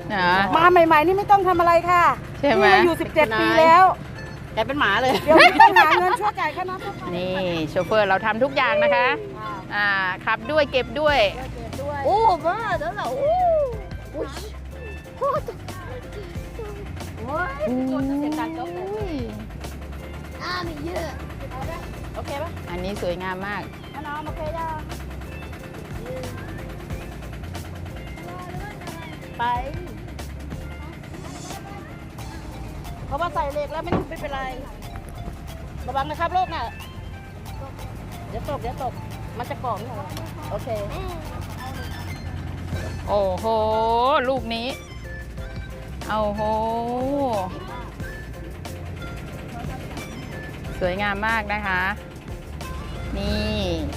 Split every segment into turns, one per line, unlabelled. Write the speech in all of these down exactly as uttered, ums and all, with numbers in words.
มาใหม่ๆนี่ไม่ต้องทำอะไรค่ะใช่ไหมอยู่สิบเจ็ดปีแล้ว
แกเป็นหมาเลย
เดี๋ยวต้องหาเงินช่วยจ่ายค่าน้ำ
นี่โชเฟอร์เราทำทุกอย่างนะคะอ่าขับด้วยเก็บด้วย
โอ้บ้าเดี๋ยวเราโอ้โอ้ยโอ้ยโอ้ยเสียงดังก็เลยอ่ามีเยอะโอเคปะ
อันนี้สวยงามมาก
น้องโอเคจ้าไปเพราะว่าใส่เหล็กแล้วไม่ไม่เป็นไรระวังนะครับโลกน่ะเดี๋ยวตกเดี๋ยวตกมันจะก่อมโอเค
โอ้โหลูกนี้โอ้โหสวยงามมากนะคะนี่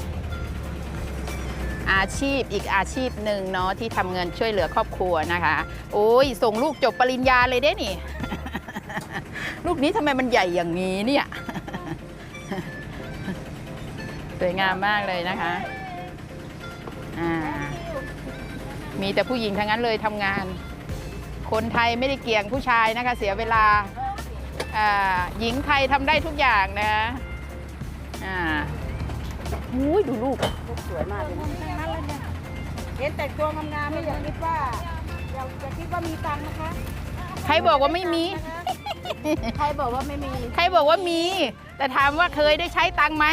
อาชีพอีกอาชีพหนึ่งเนาะที่ทำเงินช่วยเหลือครอบครัวนะคะโอ้ยส่งลูกจบปริญญาเลยเด้นี่ ลูกนี้ทำไมมันใหญ่อย่างนี้เนี่ยสวยงามมากเลยนะคะอ่ามีแต่ผู้หญิงทั้งนั้นเลยทำงานคนไทยไม่ได้เกี่ยงผู้ชายนะคะเสียเวลาอ่าหญิงไทยทำได้ทุกอย่างนะอ่าอุ้ยดูลูก
สวยมากเลย
เห็นแต่งตัวงามๆไม่อยากคิดว่าอย่าอย่าคิดว่ามีตังค์นะคะ
ใครบอกว่าไม่มี
ใครบอกว่าไม่มี
ใครบอกว่ามีแต่ถามว่าเคยได้ใช้ตังค์ไหม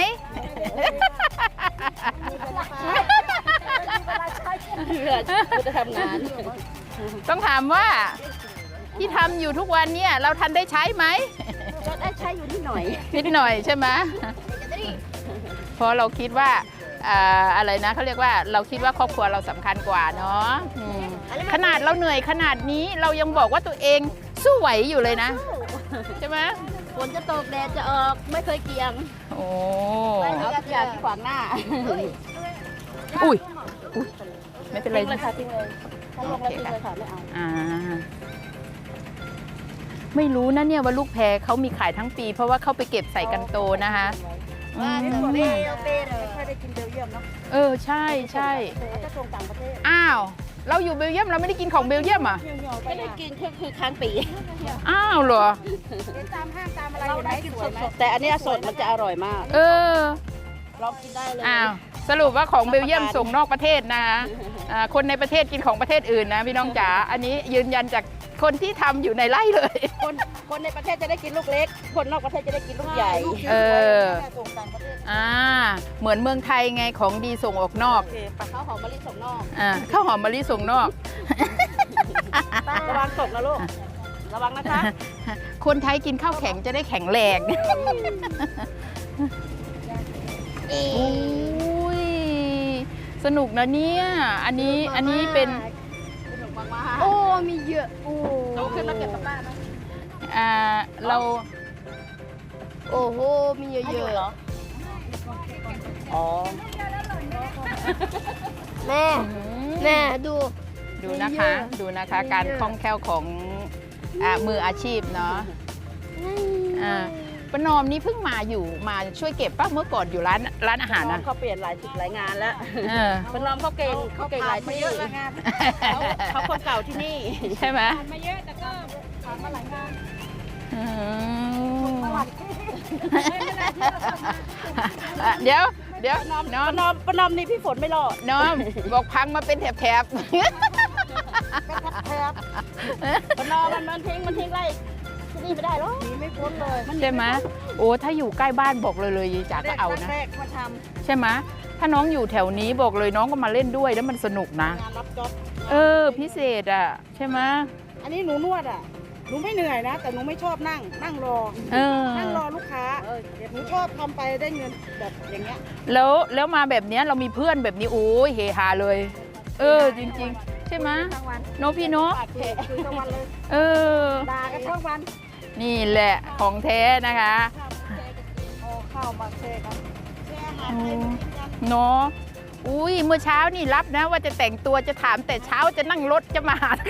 เพื่อจะทำงาน
ต้องถามว่าที่ทำอยู่ทุกวันเนี่ยเราทันได้ใช้ไหม
ก็ได้ใช้อยู่นิดหน่อย
นิดหน่อยใช่ไหมเพราะเราคิดว่าอะไรนะเขาเรียกว่าเราคิดว่าครอบครัวเราสำคัญกว่าเนาะขนาดเราเหนื่อยขนาดนี้เรายังบอกว่าตัวเองสู้ไหวอยู่เลยนะใช่ไหม
ฝนจะตกแดดจะออกไม่เคยเกี่ยง
โอ้
เอาทุกอย่างที่ขวางหน้า
อุ้ยไม่เป็นไร
เลยค่ะทิ้งเลยถ้าลงแล้วทิ้งเลยค่ะไม่เอา
อ่าไม่รู้นะเนี่ยว่าลูกแพรเขามีขายทั้งปีเพราะว่าเขาไปเก็บใส่กันโตนะคะ
ว่าเบลเบลเบล
ไม่ค่อยได้กินเบลเยียมเนาะ
เออใช่ใช่
จะส่งต่างประเทศ
อ้าวเราอยู่เบลเยียมเราไม่ได้กินของเบลเยียมอ่ะ
ไม่ได้กินคือคือค้างปี
อ้าวเหรอ
ตามห้างตามอะไรอยู่ไหนสวยไหม
แต่อันนี้สดมันจะอร่อยมาก
เออ
ลองกินได้เลย
อ้าวสรุปว่าของเบลเยียมส่งนอกประเทศนะคนในประเทศกินของประเทศอื่นนะพี่น้องจ๋าอันนี้ยืนยันจากคนที่ทำอยู่ในไร่เลย
คนคนในประเทศจะได้กินลูกเล็กคนนอกประเทศจะได้กินลูกใหญ่
เอออ่าเหมือนเมืองไทยไงของดีส่งออกนอก
ข้าวหอมมะลิส่งนอก
อ่าข้าวหอมมะลิส่งนอก
ระวังตกนะลูกระวังนะคะ
คนไทยกินข้าวแข็งจะได้แข็งแรงอุ้ยสนุกนะเนี่ยอันนี้อันนี้เป็น
โอ้มีเยอะโอ้เราขึ้นมาเก็บกลับบ้านนะ
อ่าเรา
โอ้โหมีเยอะเยอะเหรออ๋อแม่แม่ดู
ดูนะคะดูนะคะการคล่องแคล่วของอ่ามืออาชีพเนาะอ่าป้านอมนี่เพิ่งมาอยู่มาช่วยเก็บป้าเมื่อก่อนอยู่ร้านร้านอาหารนะ
เขาเปลี่ยนหลายหลายงานแล้วป้านอมเขาเก่งเขาเก่งหลายที่เขาคนเก่าที่นี่
ใช่ไหม
มาเยอะแต่ก็ผ่านมาหลายงาน
เดี๋ยวเดี๋ยว
น้อมน้อมป้านอมนี่พี่ฝนไม่รอด
น้อมบอกพังมาเป็นแถบแถบ
แถบป้านอมมันมันทิ้งมันทิ้งไล่ที่นี่ไม่ได้หรอก
นี่ไม่พ้นเลย
ใช่ไหมโอ้ถ้าอยู่ใกล้บ้านบอกเลยเลยจ๋าก็เอานะใช่ไหมถ้าน้องอยู่แถวนี้บอกเลยน้องก็มาเล่นด้วยแล้วมันสนุกนะ
งานรับจ็อบ
เออพิเศษอ่ะใช่ไหม
อันนี้หนูนวดอ่ะหนูไม่เหนื่อยนะแต่หนูไม่ชอบนั่งนั่งรอนั่งรอลูกค้าหนูชอบทำไปได้เงินแบบอย่างเงี้ย
แล้วแล้วมาแบบเนี้ยเรามีเพื่อนแบบนี้โอ้ยเฮฮาเลยเออจริงๆใช่ไหมโนพี่โน
คุยทั้งวันเลย
เออ
ด่ากันทั้งวัน
นี่แหละของแท้นะคะ
ข้าวมาแช่กันแช่อาหารให้กินกัน
เนาะอุ้ยเมื่อเช้านี่รับนะว่าจะแต่งตัวจะถามแต่เช้าจะนั่งรถจะมาหา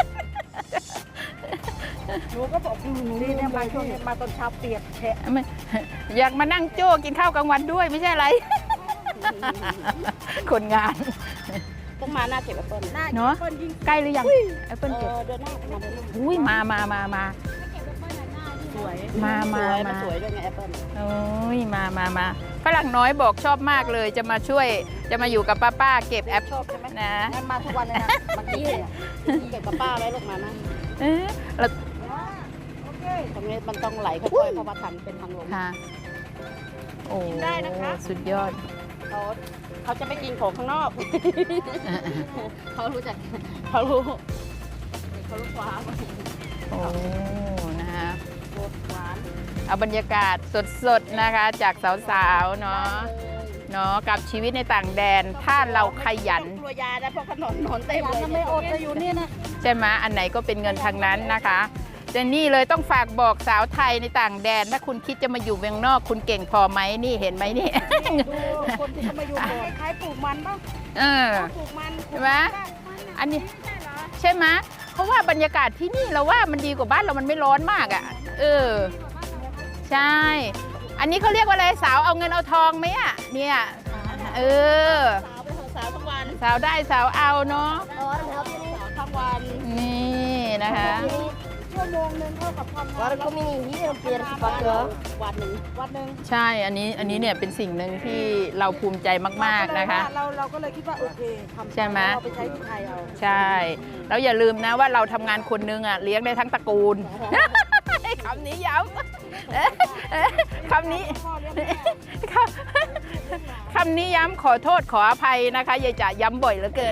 หนูก็บอกหนูนี่เนี่ยมาช่วงมาตอนเช้าเปียกแฉะ
อยากมานั่งโจ้กินข้าวกลางวันด้วยไม่ใช่อะไรคนงาน
ต้องมาหน้าเก็บแอปเปิ้ล
เนาะ
เปิ้ลยิ่ง
ใกล้หรือยังแอปเปิ้ลเก็บ
เดินหน้ามาเดินหน้า
อุ้ยมามามามา
สวย
มามา
สวย
มา
สวยด้วยไงแอปเปิ้ล
โอ้ยมามามาฝรั่งน้อยบอกชอบมากเลยจะมาช่วยจะมาอยู่กับป้าป้าเก็บแอป
ชอบใช่ไหม
นะ
งั้นมาทุกวันเลยนะมากี้เก็บกับป้าไว้ลูกมานะ
เอ๊ะแล้ว
โอเค
ตรงนี้มันต้องไหลค่อยๆเพราะว่าทำเป็นทางลง
ค่ะโอ้
กินได้นะคะ
สุดยอด
เขาเขาจะไม่กินของข้างนอก เขารู้จักเขารู้เขารู้ความ
โอ้นะคะ
โคตรหวาน
เอาบรรยากาศสดๆนะคะ จากสาวๆเนาะเนาะกับชีวิตในต่างแดนถ้าเราขยัน
กลัวยานะเพราะขนมนอนเต็มเลย
ไม่อดจะอยู่นี่นะ
ใช่ไหมอันไหนก็เป็นเงินทางนั้นนะคะเจนนี่เลยต้องฝากบอกสาวไทยในต่างแดนถ้าคุณคิดจะมาอยู่เมืองนอกคุณเก่งพอไหมนี่เห็นไหมนี่
ดูคนที่เขามาอยู่ก่อนคล้ายปลูกมันป่ะ
เออ
ปลูกมัน
ใช่ไหมอันนี้ใช่ไหมเพราะว่าบรรยากาศที่นี่เราว่ามันดีกว่าบ้านเรามันไม่ร้อนมากอ่ะเออใช่ อันนี้เขาเรียกว่าอะไรสาวเอาเงินเอาทองไหมอ่ะเนี่ยเออ
สาวไปเถอะสาวทั้งวัน
สาวได้สาวเอาเนาะ
ร้อนแล้วที่นี่สาวทั้งวัน
นี่นะคะ
ชั่วโมงนึงเท่ากับทำงาน
วันก็มีนี่เปลี่ยนสิบวันวันหนึ่ง
วันหนึ่ง
ใช่อันนี้อันนี้เนี่ยเป็นสิ่งหนึ่งที่เราภูมิใจมากๆนะคะ
เราเราก็เลยคิดว่าโอเคทำ
ใช่ไหม
เราไปใช้ที่ไทยเอา
ใช่แล้วอย่าลืมนะว่าเราทำงานคนนึงอ่ะเลี้ยงได้ทั้งตระกูล คำนี้ย้ำเอ๊ะเอ๊ะคำนี้
พ่อเลี้ยงแม่
คำคำนี้ย้ำขอโทษขออภัยนะคะยายจ๋าย้ำบ่อยเหลือเกิน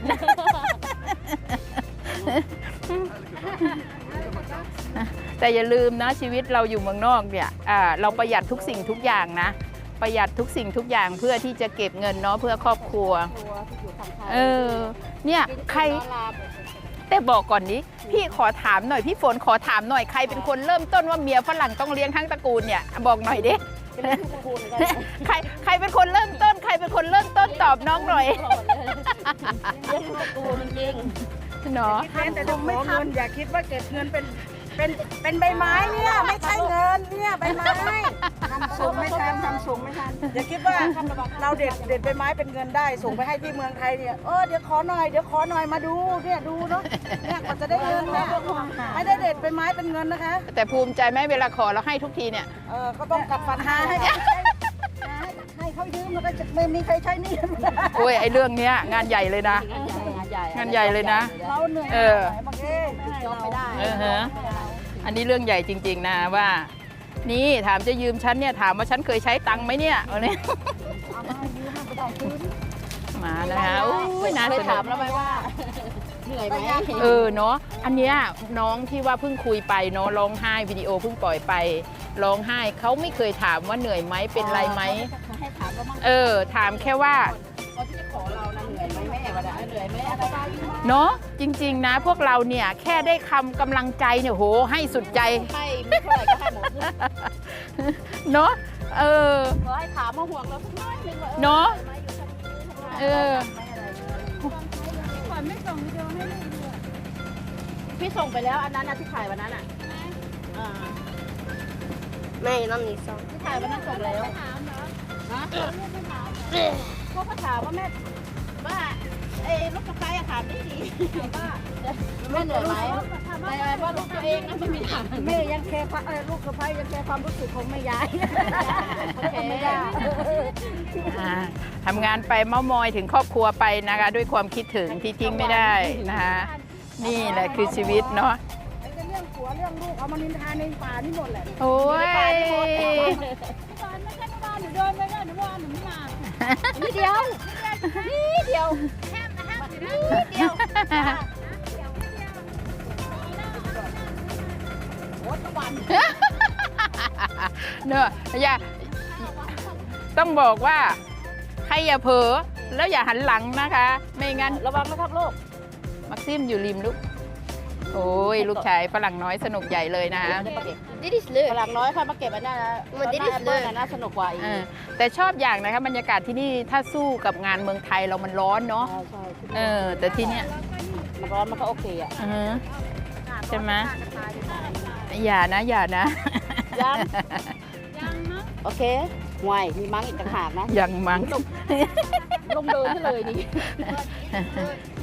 แต่อย่าลืมนะชีวิตเราอยู่เมืองนอกเนี่ยอ่าเราประหยัดทุกสิ่งทุกอย่างนะ ประหยัดทุกสิ่งทุกอย่างเพื่อที่จะเก็บเงินเนาะเพื่อครอบครัว
ตัวที่อยู่ทางไทย
เออเนี่ยใครแต่บอกก่อนนี้พี่ขอถามหน่อยพี่ฝนขอถามหน่อยใครเป็นคนเริ่มต้นว่าเมียฝรั่งต้องเลี้ยงทั้งตระกูลเนี่ยบอกหน่อยดิ
เป็นทุกคูณเลย
ใครใครเป็นคนเริ่มต้น ใครเป็นคนเริ่มต้นตอบน้องหน่อย
เลี้ยงทุกคูณจริง
เนาะ
คิดแต่จะขอเงินอย่าคิดว่าเก็บเงินเป็นเป็นเป็นใบไม้เนี่ยไม่ใช่เงินเนี่ยใบไม้ทำส่งไม่ทันทำส่งไม่ทันอย่าคิดว่าเราเด็ดเด็ดใบไม้เป็นเงินได้ส่งไปให้ที่เมืองไทยเนี่ยเออเดี๋ยวขอหน่อยเดี๋ยวขอหน่อยมาดูเนี่ยดูเนาะเนี่ยกว่าจะได้เงินนะไม่ได้เด็ดใบไม้เป็นเงินนะคะ
แต่ภูมิใจไหมเวลาขอเราให้ทุกทีเนี่ย
เออก็ต้องกัดฟันหาให้ให้เขายืมแล้วก็จะไม่มีใครใช้หนี่
โอ้ยไอเรื่องเนี้ยงานใหญ่เลยนะ
งานใหญ่
งานใหญ่เลยนะ
เราเหนื่อย
เออ
บางที
ยอมไม่ได้
เออฮะอันนี้เรื่องใหญ่จริง ๆ นะว่า นี่ถามจะยืมฉันเนี่ยถามว่าฉันเคยใช้ตังค์ไหมเนี่ยวันนี้ มานะคะโอ้ยน่า
เค
ส
ย
นุ
ถาม
ก
แล้วไหมว่าเหนื่อยไหม
เออเนาะอันเนี้ยน้องที่ว่าเพิ่งคุยไปเนาะร้องไห้วิดีโอเพิ่งปล่อยไปร้องไห้เขาไม่เคยถามว่าเหนื่อยไหมเป็นไรไหม
ให้ถามว่ามั่ง
เออถามแค่ว่า
ตอนที่จะขอเรานะเหนื่อยไหมแม่ก็ได้เหนื่อยไหมอะไรบ้าง
เนาะจริงๆนะพวกเราเนี่ยแค่ได้คำกำลังใจเนี่ยโหให้สุดใจ
ให้ไม่เท่าไหร่ก็ให้หมด
เนาะเออ
ขอให้ถามมาห่วงเราสักน้อยนึงว่า
เนาะเออ
พี่ส่งไปแล้วอันนั้นนะที่ถ่ายวันนั้นอ่ะอ่า
ไม่ต้องมีซอง
ที่ถ่ายวันนั้นส่งแล้วถามเหรอฮะเขาก็ถามว่าแม่ว่าเอ้ลูกกระไฟอะถามได้ดีว่าแม่เหนื่อยไหมแต่ว่าลูกตัวเองนะไม่มีถาม
แม่ยังแคร์ความเออลูกสะใภ้ยังแคร์ความรู้สึกของแม่ยาย
โอเค
ไม่ได้
อ่าทำงานไปเม้ามอยถึงครอบครัวไปนะคะ ด้วยความคิดถึงที่ทิ้งไม่ได้นะคะนี่แหละคือชีวิตเนาะ
ไอ้เรื่องผัวเรื่องลูกเอามานินทาในป่านี่หมดแหละ
โอ้ย
นิดเดียวนิดเดียวแค่นิดเดียวโอ้ทุกวัน
เนอะอย่าต้องบอกว่าใครอย่าเผลอแล้วอย่าหันหลังนะคะ ไม่งั้น
ระวังนะครับลูก
มักซิมอยู่ริมลูกโอ้ยลูกชายฝรั่งน้อยสนุกใหญ่เลยนะ
Dit is
พ
leuk.
ลังน้อยค่อยมาเก็บอันนั้นนะ
มันดิส
แอป
เล
เปิ้ล
ย
น่ะน่าสนุกกว่าอีก
เออแต่ชอบอย่างนะคะบรรยากาศที่นี่ถ้าสู้กับงานเมืองไทยเรามันร้อนเนาะ
ใช่ใช่
เออแต่ที่เนี้ย
มันร้อนมันก็โอเคอ่ะ
อือฮึใช่ไหมอย่านะอย่านะ
ยังโอเคห่วยมีมั้งอีกต่างหากนะ
ยังมั้ง
ลงเดินให้เลยนี่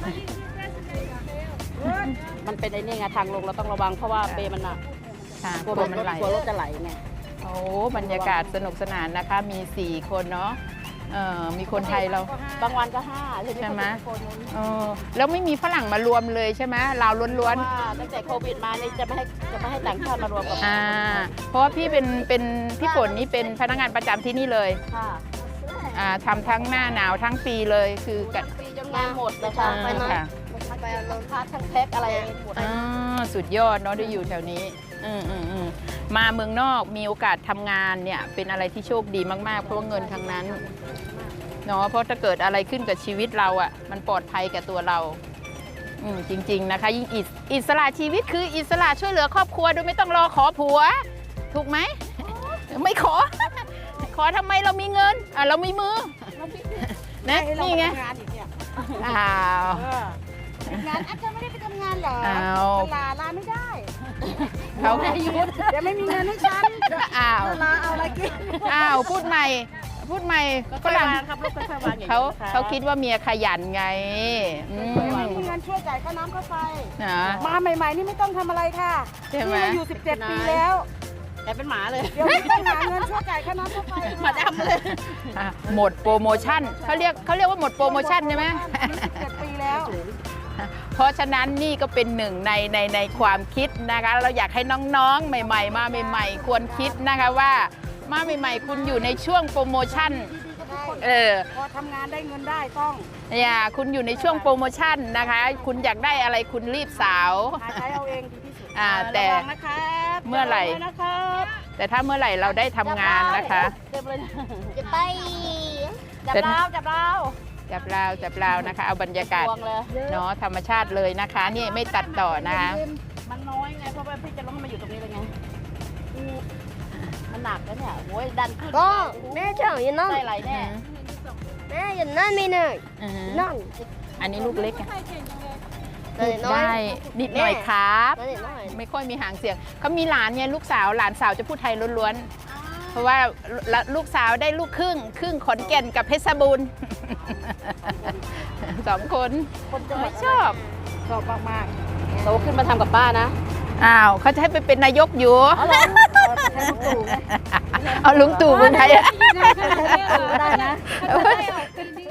มันเป็นไอ้นี่ไงทางลงเราต้องระวังเพราะว่าเบมันหนัก
ค่ะ
กลัว
กลัว
มั
มัน นไหล
กลัวรถจะไหลไง
โอ้บรรยากาศสนุกสนานนะคะ มีสี่คนเนาะเออมีคนไทยเรา
บางวันก็ห้า
ใช่ไหม เออแล้วไม่มีฝรั่งมารวมเลยใช่ไหมเราล้วน
ว่าตั้งแต่โควิดมานี่จะไม่ให้จะไม่ให้ต่างชาติมารวมกับ
ๆอ่าเพราะว่าพี่เป็นเป็นพี่ฝนนี่เป็นพนักงานประจำที่นี่เลย
ค่ะ
อ่าทำทั้งหน้าหนาวทั้งปีเลยคือกั
ทั้งปีจนงานหมดเลยค่ะ
อ่าค่ะ
ไปเอาลงพักทั้งแพ็คอะไรหมด
อ่าสุดยอดเนาะได้อยู่แถวนี้อืมอืมอืมมาเมืองนอกมีโอกาสทำงานเนี่ยเป็นอะไรที่โชคดีมากๆ เพราะว่าเงินทั้งนั้นเนาะเพราะถ้าเกิดอะไรขึ้นกับชีวิตเราอ่ะมันปลอดภัยกับตัวเราอืมจริงๆนะคะยิ่งอิสอิสระชีวิตคืออิสระช่วยเหลือครอบครัวโดยไม่ต้องรอขอผัว ถูกไหม ไม่ขอ ขอทำไมเรามีเงินอ่ะเรามีมือนะนี่ไง
งานอีกเนี่ย
อ้าว
งานอาจจะไม่ได้ไปทำงานเหรอ
อ้าว
ลาลาไม่ได้
เขา
เดี๋ยวไม่มีเงินให้ฉัน
อ้าว
ลาเอาอะไรกิน
อ้าวพูดใหม่พูดใหม่ฝรั่ง
ครับลูกค่อยๆวางอย่างนี้
เขา
นะคะ
เขาคิดว่าเมียขยันไงอืม
ไม่มีเงินช่วยจ่ายค่าน้ำค่าไฟ
นะ
มาใหม่ๆนี่ไม่ต้องทำอะไรค่ะ
ใช่ไหม
นี่อยู่สิบเจ็ดปีแล้วแต่เป็นหมาเลย เดี๋ยวนี้ต้องหาเงินช่วยจ่ายค่าน้ำค่าไฟมาดำเลย
อ่ะหมดโปรโมชั่นเขาเรียกเขาเรียกว่าหมดโปรโมชั่นใช่ไหม
สิบเจ็ดปีแล้ว
เพราะฉะนั้นนี่ก็เป็นหนึ่งในในในความคิดนะคะ เราอยากให้น้องๆ ใหม่ ๆ มาใหม่ ๆ ควรคิดนะคะว่ามาใหม่ ๆ คุณอยู่ในช่วงโปรโมชั่นเออ
พอทำงานได้เงินได้ต้อง
อย่าคุณอยู่ในช่วงโปรโมชั่นนะคะ คุณอยากได้อะไรคุณรีบสาว
หาใช้เอาเองดีที่สุด
อ่าแต่
ระวังนะครับ
เมื่อไหร่
ระวังด้วยนะครับ
แต่ถ้าเมื่อไหร่เราได้ทำงานนะคะ
เต็มเลยนะ
จะไป
จับเราจับเรา
จับราวจับราวนะคะ เอาบรรยากาศ
พวงเลย
เนาะธรรมชาติเลยนะคะ นี่ไม่ตัดต่อนะคะ
มันน้อยไงเพราะว่าพี่จะลงมาอยู่ตรงนี้เลยไงอืมมันหนักแล้วเนี่ยโอ้ยดันขึ้น
ก็แม่เจ้าอย่านั่ง
ได้ไหลแน่
แม่อย่านั่งไม่หน่อย
อือฮึ
นั่ง
อันนี้ลูกเล็กอะ
นั่นน้อย
ได้นิดหน่อยครับ
นั่นน้อย
ไม่ค่อยมีหางเสียงเขามีหลานเนี่ยลูกสาวหลานสาวจะพูดไทยล้วนๆ เพราะว่าลูกสาวได้ลูกครึ่ง ครึ่งขอนแก่นกับเพชรบูรณ์ สองคน
คนจะไม่
ชอบ
ชอบมากๆโตขึ้นมาทำกับป้านะ
อ้าวเขาจะให้ไปเป็นนายกอยู่
เอาเลยเอาไปใช้ลูกตู่ไง
เอาลุงตู่เมืองไทยอะ
ได้นะ
ได้ออกเป็นดี